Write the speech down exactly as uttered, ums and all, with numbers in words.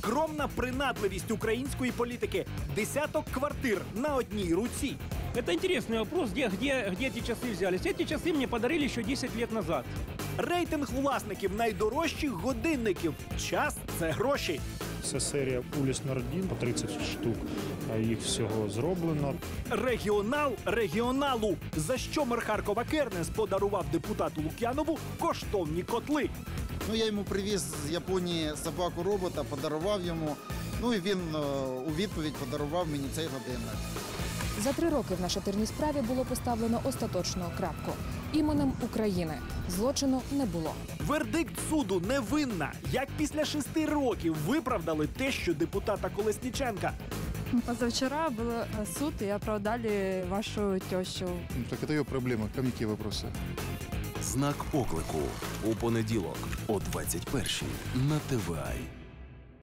скромна принадливість української політики. Десяток квартир на одній руці. Это интересный вопрос, где, где, где эти часы взялись. Эти часы мне подарили еще десять лет назад. Рейтинг власників найдорожчих годинників. Час – це гроші. Це серія Уліс Нардін, по тридцять штук їх всього зроблено. Регіонал регіоналу. За що мер Харкова Кернес подарував депутату Лук'янову коштовні котли. Ну, я йому привіз з Японії собаку-робота, подарував йому. Ну і він е, у відповідь подарував мені цей годинник. За три роки в нашатирній справі було поставлено остаточну крапку. Іменем України злочину не було. Вердикт суду – невинна. Як після шести років виправдали тещу депутата Колесніченка. Позавчера был суд, и оправдали вашу тещу. Так это ее проблема. Ко мне какие вопросы? Знак оклику у понеділок о двадцять першій на Т В А.